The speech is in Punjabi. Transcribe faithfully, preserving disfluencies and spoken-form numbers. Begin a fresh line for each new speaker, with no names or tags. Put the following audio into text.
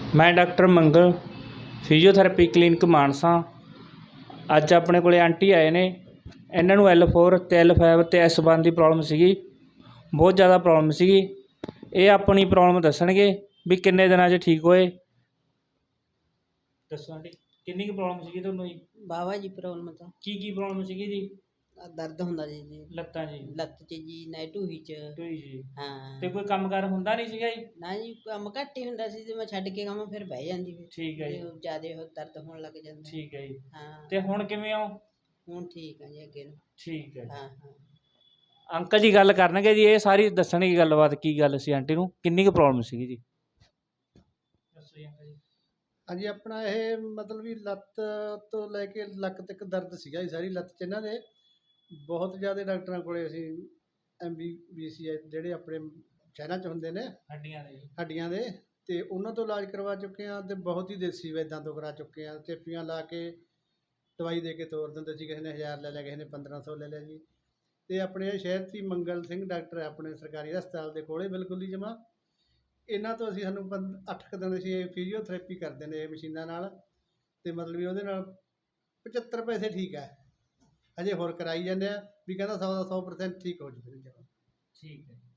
ਮੈਂ doctor Mangal physiotherapy clinic Mansa. ਅੱਜ ਆਪਣੇ ਕੋਲ ਆਂਟੀ ਆਏ ਨੇ। ਇਹਨਾਂ ਨੂੰ ਐਲ ਫੋਰ ਅਤੇ ਐਲ ਫਾਈਵ ਅਤੇ ਐਸ ਵਨ ਦੀ ਪ੍ਰੋਬਲਮ ਸੀਗੀ, ਬਹੁਤ ਜ਼ਿਆਦਾ ਪ੍ਰੋਬਲਮ ਸੀਗੀ। ਇਹ ਆਪਣੀ ਪ੍ਰੋਬਲਮ ਦੱਸਣਗੇ ਵੀ ਕਿੰਨੇ ਦਿਨਾਂ 'ਚ ਠੀਕ ਹੋਏ। ਦੱਸੋ ਆਂਟੀ, ਕਿੰਨੀ ਕੁ ਪ੍ਰੋਬਲਮ ਸੀਗੀ ਤੁਹਾਨੂੰ ਜੀ?
ਵਾਹਵਾ ਜੀ ਪ੍ਰੋਬਲਮ ਤਾਂ
ਕੀ ਕੀ ਪ੍ਰੋਬਲਮ ਸੀਗੀ ਜੀ?
ਆਹ ਦਰਦ ਹੁੰਦਾ ਜੀ ਜੀ
ਲੱਤਾਂ ਜੀ?
ਲੱਤ 'ਚ ਜੀ ਨਾ ਢੂਹੀ 'ਚ।
ਢੂਹੀ ਜੀ?
ਹਾਂ
ਤੇ ਕੋਈ ਕੰਮ ਕਾਰ ਹੁੰਦਾ ਨਹੀਂ ਸੀਗਾ ਜੀ?
ਨਾ ਜੀ ਕੰਮ ਘੱਟ ਹੀ ਹੁੰਦਾ ਸੀ, ਜੇ ਮੈਂ ਛੱਡ ਕੇ ਕੰਮ ਫਿਰ ਬਹਿ ਜਾਂਦੀ ਫਿਰ
ਠੀਕ ਹੈ ਜੀ।
ਜਿਆਦਾ ਉਹ ਦਰਦ ਹੋਣ ਲੱਗ ਜਾਂਦਾ।
ਠੀਕ ਹੈ ਜੀ।
ਹਾਂ
ਤੇ ਹੁਣ ਕਿਵੇਂ ਹੋ?
ਹੁਣ ਠੀਕ ਆ ਜੀ ਅੱਗੇ ਨੂੰ।
ਠੀਕ ਹੈ।
ਹਾਂ ਹਾਂ
ਅੰਕਲ ਜੀ ਗੱਲ ਕਰਨਗੇ ਜੀ, ਇਹ ਸਾਰੀ ਦੱਸਣਗੇ ਗੱਲਬਾਤ, ਕੀ ਗੱਲ ਸੀ ਆਂਟੀ ਨੂੰ, ਕਿੰਨੀ ਕੁ ਪ੍ਰੋਬਲਮ ਸੀਗੀ ਜੀ? ਦੱਸੋ ਜੀ ਅੰਕਲ ਜੀ।
ਹਾਂਜੀ, ਆਪਣਾ ਇਹ ਮਤਲਬ ਵੀ ਲੱਤ ਤੋਂ ਲੈ ਕੇ ਲੱਕ ਤੱਕ ਦਰਦ ਸੀਗਾ ਜੀ, ਸਾਰੀ ਲੱਤ 'ਚ ਇਹਨਾਂ ਦੇ। ਬਹੁਤ ਜ਼ਿਆਦਾ ਡਾਕਟਰਾਂ ਕੋਲੇ ਅਸੀਂ ਐਮ ਬੀ ਬੀ ਸੀ ਜਿਹੜੇ ਆਪਣੇ ਸ਼ਹਿਰਾਂ 'ਚ ਹੁੰਦੇ ਨੇ
ਹੱਡੀਆਂ ਦੇ ਜੀ?
ਹੱਡੀਆਂ ਦੇ, ਅਤੇ ਉਹਨਾਂ ਤੋਂ ਇਲਾਜ ਕਰਵਾ ਚੁੱਕੇ ਹਾਂ। ਅਤੇ ਬਹੁਤ ਹੀ ਦੇਸੀ ਵੈਦਾਂ ਤੋਂ ਕਰਾ ਚੁੱਕੇ ਹਾਂ। ਚੇਪੀਆਂ ਲਾ ਕੇ ਦਵਾਈ ਦੇ ਕੇ ਤੋਰ ਦਿੰਦੇ ਸੀ, ਕਿਸੇ ਨੇ ਹਜ਼ਾਰ ਲੈ ਲਿਆ, ਕਿਸੇ ਨੇ ਪੰਦਰਾਂ ਸੌ ਲੈ ਲਿਆ ਜੀ। ਅਤੇ ਆਪਣੇ ਸ਼ਹਿਰ 'ਚ ਹੀ ਮੰਗਲ ਸਿੰਘ ਡਾਕਟਰ ਹੈ ਆਪਣੇ ਸਰਕਾਰੀ ਹਸਪਤਾਲ ਦੇ ਕੋਲੇ ਬਿਲਕੁਲ ਹੀ ਜਮ੍ਹਾਂ। ਇਹਨਾਂ ਤੋਂ ਅਸੀਂ ਸਾਨੂੰ ਪੰ ਅੱਠ ਕੁ ਦਿਨ ਅਸੀਂ ਇਹ ਫਿਜ਼ੀਓਥੈਰੇਪੀ ਕਰਦੇ ਨੇ ਇਹ ਮਸ਼ੀਨਾਂ ਨਾਲ, ਅਤੇ ਮਤਲਬ ਵੀ ਉਹਦੇ ਨਾਲ ਪਚੱਤਰ ਪੈਸੇ ਠੀਕ ਹੈ। ਹਜੇ ਹੋਰ ਕਰਾਈ ਜਾਂਦੇ ਆ ਵੀ ਕਹਿੰਦਾ ਸੌ ਦਾ ਸੌ ਪਰਸੈਂਟ ਠੀਕ ਹੋ ਜੂਗਾ।
ਠੀਕ ਹੈ।